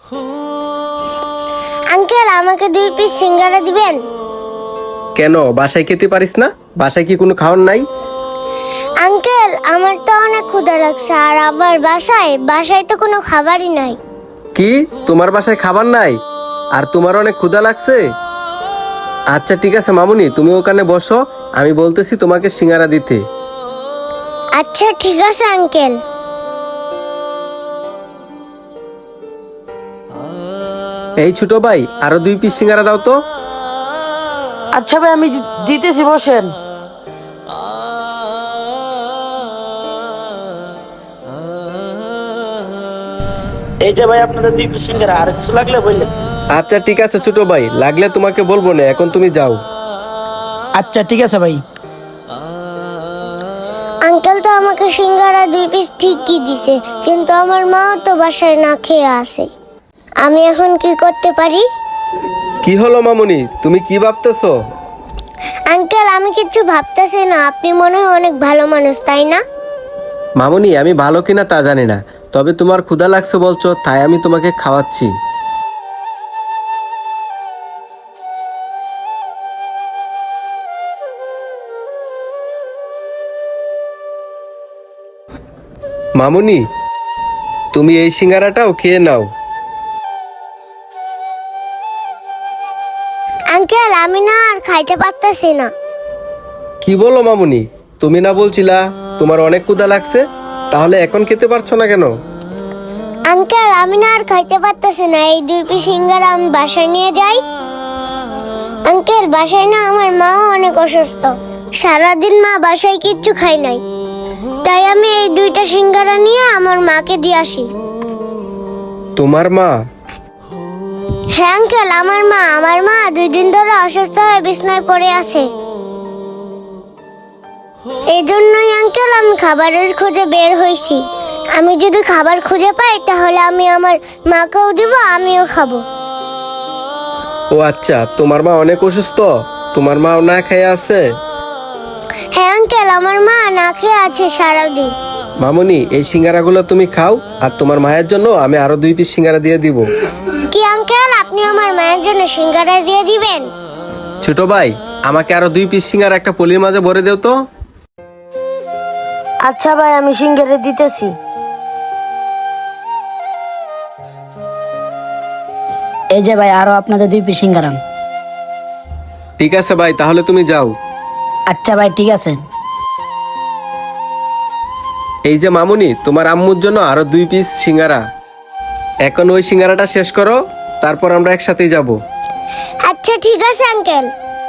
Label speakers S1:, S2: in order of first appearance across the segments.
S1: Uncle, আমাকে 2 piece সিঙ্গারা দিবেন?
S2: কেন, বাসায় খেতে পারিস না? বাসায় কি কোনো খাওয়ার নাই?
S1: আঙ্কেল, আমার তো অনেক ক্ষুধা লাগছে, আর আমার বাসায় তো কোনো খাবারই নাই।
S2: কি, তোমার বাসায় খাবার নাই আর তোমার অনেক ক্ষুধা লাগছে? আচ্ছা ঠিক আছে মামুনি, তুমি ওখানে বসো, আমি বলতেছি তোমাকে সিঙ্গারা দিতে।
S1: আচ্ছা ঠিক আছে আঙ্কেল।
S2: এই ছোট ভাই, আরো 2 পিস সিঙ্গারা দাও তো।
S3: আচ্ছা ভাই, আমি দিতেছি, বসেন। এই যে ভাই, আপনাদের 2 পিস সিঙ্গারা, আর কিছু লাগলে বললেন।
S2: আচ্ছা ঠিক আছে ছোট ভাই, লাগলে তোমাকে বলবো না, এখন তুমি যাও।
S3: আচ্ছা ঠিক আছে ভাই।
S1: আঙ্কেল তো আমাকে সিঙ্গারা 2 পিস ঠিকই দিছে, কিন্তু আমার মা তো বাসায় না খেয়ে আসে। আমি এখন কি করতে পারি?
S2: কি হলো মামুনি, তুমি কি ভাবতেছো?
S1: আঙ্কেল, আমি কিছু ভাবতেছি না, আপনি মনে হয় অনেক ভালো মানুষ, তাই না?
S2: মামুনি, আমি ভালো কিনা তা জানি না, তবে তোমার ক্ষুধা লাগছে বলছো, তাই আমি তোমাকে খাওয়াচ্ছি। মামুনি, তুমি এই সিঙ্গারাটাও খেয়ে নাও।
S1: আঙ্কেল, আমি না আর খাইতে পারতেছি না।
S2: কি বলো মামুনি, তুমি না বলছিলা তোমার অনেক ক্ষুধা লাগছে, তাহলে এখন খেতে পারছো না কেন?
S1: আঙ্কেল, আমি না আর খাইতে পারতেছি না, এই 2 পিস সিঙ্গারা আমি বাসায় নিয়ে যাই। আঙ্কেল, বাসায় না আমার মাও অনেক অসুস্থ, সারাদিন মা বাসায় কিচ্ছু খাই নাই, তাই আমি এই 2টা সিঙ্গারা নিয়ে আমার মাকে দিয়ে আসি।
S2: তোমার মা?
S1: হ্যাঁ আঙ্কেল, আমার মা 2 দিন ধরে অসুস্থ হয়ে বিছানায় পড়ে আছে। এই জন্যই আঙ্কেল আমি খাবারের খোঁজে বের হয়েছি। আমি যদি খাবার খুঁজে পাই তাহলে আমি আমার মাকেও দিব, আমিও খাবো।
S2: ও আচ্ছা, তোমার মা অনেক অসুস্থ, তোমার মাও না খেয়ে আছে?
S1: হ্যাঁ আঙ্কেল, আমার মা না খেয়ে আছে সারাদিন।
S2: মামুনি, এই সিঙ্গারাগুলো তুমি খাও, আর তোমার মায়ের জন্য আমি আরো 2 পিস সিঙ্গারা দিয়ে দিব।
S1: কি আঙ্কেল, আপনি আমার মায়ের জন্য সিঙ্গারা দিয়ে দিবেন?
S2: ছোট ভাই, আমাকে আরো 2 পিস সিঙ্গারা একটা পলির মাঝে ভরে দেও তো।
S3: আচ্ছা ভাই, আমি সিঙ্গারা দিতেছি। এই যে ভাই, আরো আপনাদের 2 পিস সিঙ্গারা।
S2: ঠিক আছে ভাই, তাহলে তুমি যাও।
S3: আচ্ছা ভাই, ঠিক আছে।
S2: এই যে মামুনি, তোমার আম্মুর জন্য আরো 2 পিস সিঙ্গারা। এখন ওই সিঙ্গারাটা শেষ করো, তারপর আমরা একসাথেই যাব।
S1: আচ্ছা ঠিক আছে আঙ্কেল।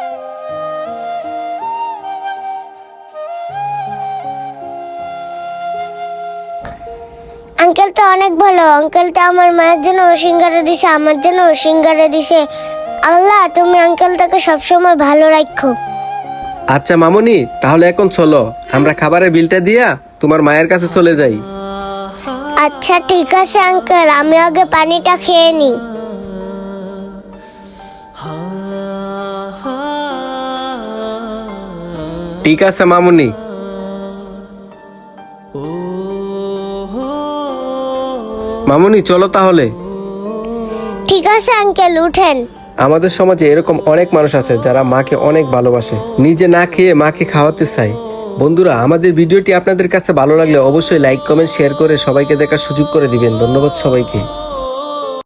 S1: আঙ্কেলটা অনেক ভালো, আঙ্কেলটা আমার মায়ের জন্য সিঙ্গারা দিছে, আমার জন্য সিঙ্গারা দিছে। আল্লাহ, তুমি আঙ্কেলটাকে সবসময় ভালো রাখো।
S2: আচ্ছা মামুনি, তাহলে এখন চলো, আমরা খাবারের বিলটা দিয়া তোমার মায়ের কাছে চলে যাই।
S1: আচ্ছা ঠিক আছে আঙ্কেল, আমি আগে পানিটা খেয়ে নিই।
S2: ঠিক আছে মামুনি। মামুনি, চলো তাহলে।
S1: ঠিক আছে আঙ্কেল, উঠেন।
S2: আমাদের সমাজে এরকম অনেক মানুষ আছে যারা মাকে অনেক ভালোবাসে, নিজে না খেয়ে মাকে খাওয়াতে চায়। বন্ধুরা, আমাদের ভিডিওটি আপনাদের কাছে ভালো লাগলে অবশ্যই লাইক, কমেন্ট, শেয়ার করে সবাইকে দেখার সুযোগ করে দিবেন। ধন্যবাদ সবাইকে।